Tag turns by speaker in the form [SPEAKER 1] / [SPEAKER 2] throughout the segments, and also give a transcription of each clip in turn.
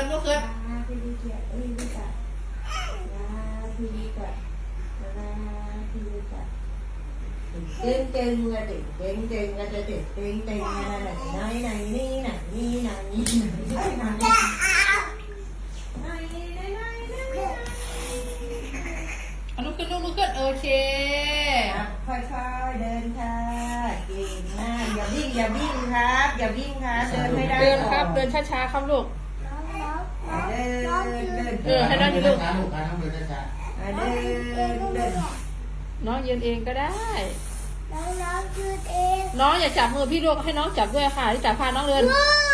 [SPEAKER 1] นลุกขึ้น
[SPEAKER 2] พี่ลิเกียร์พี่ลิกะพี่ลิกะพี่ลิกะเก่งๆอะเด็กเก่งๆอะเด็กเก่งๆอะไหนไหนนี่ไหนนี่ไหนนี่ไหนไหน
[SPEAKER 1] ลุกขึ้นลุกขึ้นโอเค
[SPEAKER 2] ค่อยๆเดินค่ะเก่งมากอย่าวิ่งครับอย่าวิ่งครับเดินไม่ได้
[SPEAKER 1] เดินครับเดินช้าๆครับลูก
[SPEAKER 2] เดิน
[SPEAKER 1] ให้น้องอยู่ลูก
[SPEAKER 3] ช้าลูกนะต้องเดินช้า
[SPEAKER 2] เดิน
[SPEAKER 1] น้องยืนเองก็ได้
[SPEAKER 4] น้องยืนเอง
[SPEAKER 1] น้องอย่าจับมือพี่ลูกให้น้องจับด้วยค่ะที่จับพาน้องเดิน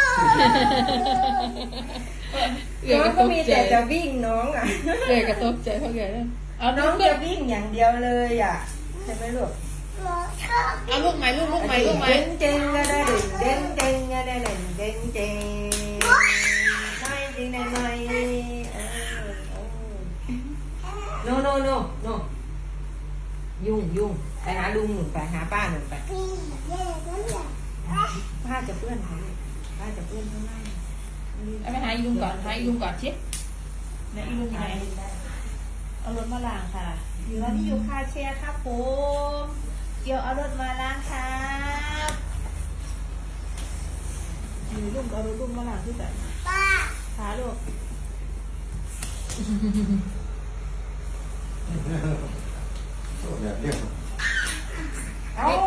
[SPEAKER 2] น้องก็มีแต่จะวิ่งน้องอ่ะ
[SPEAKER 1] เกิดกระตกใจเขาเกิดเอา
[SPEAKER 2] น้
[SPEAKER 1] น้
[SPEAKER 2] อ
[SPEAKER 1] อง ง
[SPEAKER 2] จะวิ่งอย่างเดียวเลยอ่ะใช่ไหมลูก
[SPEAKER 4] น้องชอบ
[SPEAKER 1] เอาลูกใหม่ลูกใหม่ลูกใหม่
[SPEAKER 2] เด้งก็ได้เด้งเด้งก็ได้เด้งเด้งไม่จริงไหมโนยุ่งไปหาลุงหนุนไปหาป้าหนุนไป
[SPEAKER 4] พี่เย่นั่นแหละ
[SPEAKER 2] ป้าจะเพื่อนเขาป้าจะเพื่อนข้างล่าง
[SPEAKER 1] เอาไปหาอีลุงก่อนหาอีลุงก่อนชิเนี่ยอีลุงอยู่ไหนเอารถมาล้างค่ะอยู่แล้วที่อยู่คาแชร์ครับผมเดี๋ยวเอารถมาล้างครับอยู่ลุงเอารถลุงมาล้างที่ไหน
[SPEAKER 4] ป้า
[SPEAKER 1] หาลูก
[SPEAKER 3] แบบเรียก
[SPEAKER 2] เอ้า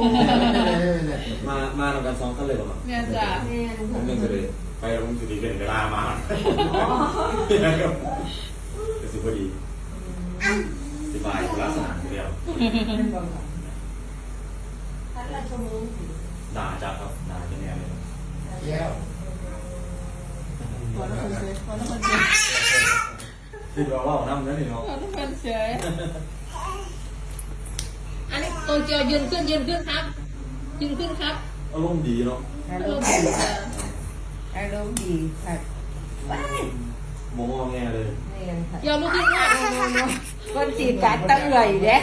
[SPEAKER 5] มาทำการซ้อมกันเลยเหรอครับ
[SPEAKER 1] เนี่ยจ้ะ
[SPEAKER 5] ผมยังจะเลยไปแล้วผมจะดีเป็นเวลามาจะสิพอดีสบายลักษณะเดียว
[SPEAKER 2] ท่านราชวงศ์
[SPEAKER 5] ด่าจับครับด่าเป็นแนวเลย
[SPEAKER 3] แก้ว
[SPEAKER 1] ขอทุกคนเฉยขอทุกคนเฉย
[SPEAKER 5] ที่เราเล่าน้ำนั่นนี่เนาะ
[SPEAKER 1] ขอทุกคนเฉยอันนี้ตัวเจียวยืนขึ้นครับยืนขึ้นครับ
[SPEAKER 5] อารมณ์ดีเนาะ
[SPEAKER 2] อาร
[SPEAKER 1] ลู
[SPEAKER 2] ม
[SPEAKER 1] ก
[SPEAKER 2] ณ์
[SPEAKER 1] เฉ
[SPEAKER 2] ดี
[SPEAKER 1] ย
[SPEAKER 2] อารมณ์ดีค่ะว้าย
[SPEAKER 5] มองแงเลย
[SPEAKER 2] นี่กันค่ะ
[SPEAKER 1] เดี๋ยวลูกขึ้นด้วย
[SPEAKER 2] คนจีบกันตั้งเลยเด้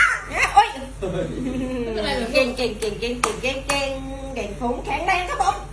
[SPEAKER 2] โอ้ย
[SPEAKER 1] ไม่เป็นไรหรอก
[SPEAKER 2] เก่งฟุ้งแข็งแรงครับผม